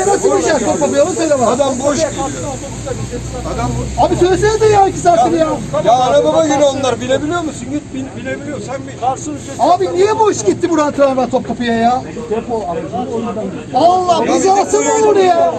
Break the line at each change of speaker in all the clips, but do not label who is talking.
Topkapı'ya nasıl bineceğiz? Topkapı'ya onu söyle bana.
Adam boş gidiyor. Adam
Abi söylesene de ya 2 saattir ya.
ya arabama göre onlar bilebiliyor musun? Git bilebiliyor sen bir.
Abi niye boş gitti buradan tramvay Topkapı'ya ya? Allah bizi alsana onu ya.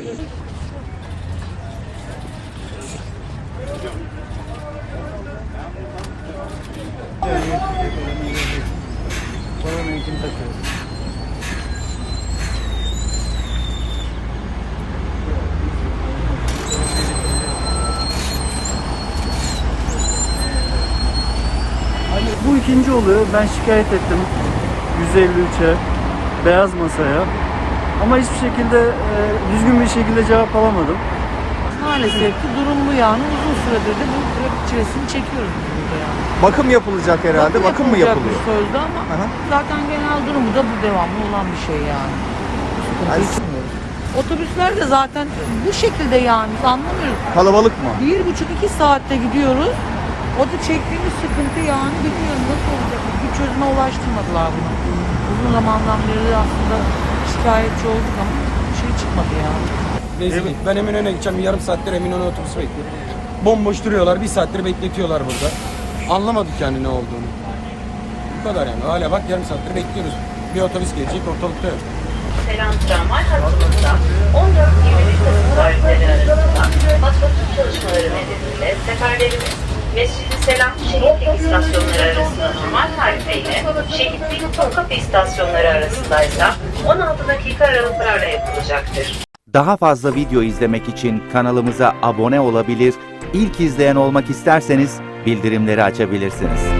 Bu ikinci oluyor. Ben şikayet ettim 153'e, beyaz masaya. Ama hiçbir şekilde düzgün bir şekilde cevap alamadım.
Maalesef ki durum bu yani. Uzun süredir de bu trafik çilesini çekiyoruz burada yani.
Bakım yapılacak herhalde. Bakım mı
yapılacak
yapılıyor?
bir sözde ama zaten genel durumu da bu devamlı olan bir şey yani.
Yani
Otobüsler de zaten bu şekilde yani anlamıyoruz.
kalabalık mı?
1,5-2 saatte gidiyoruz. O da çektiğimiz sıkıntı yani bilmiyorum nasıl olacak. Bir çözüme ulaştırmadılar bunu. Uzun zamandan beri aslında şikayetçi olduk ama bir şey çıkmadı yani.
Rezillik. Ben Eminönü'ne gideceğim. Yarım saattir Eminönü otobüsü bekliyorum. Bomboş duruyorlar. Bir saattir bekletiyorlar burada. Anlamadık yani ne olduğunu. Bu kadar yani. Hala bak yarım saattir bekliyoruz. Bir otobüs gelecek ortalıkta yok.
Selam tramvay hattımızda 14-21 Kasım tarihleri arasında matematik çalışmaları nedeniyle seferlerimiz Mescid-i Selam Şehitlik istasyonları arasında normal tarifeyle Şehitlik Topkapı istasyonları arasındaysa 16 dakika aralıklarla yapılacaktır.
Daha fazla video izlemek için kanalımıza abone olabilir, ilk izleyen olmak isterseniz bildirimleri açabilirsiniz.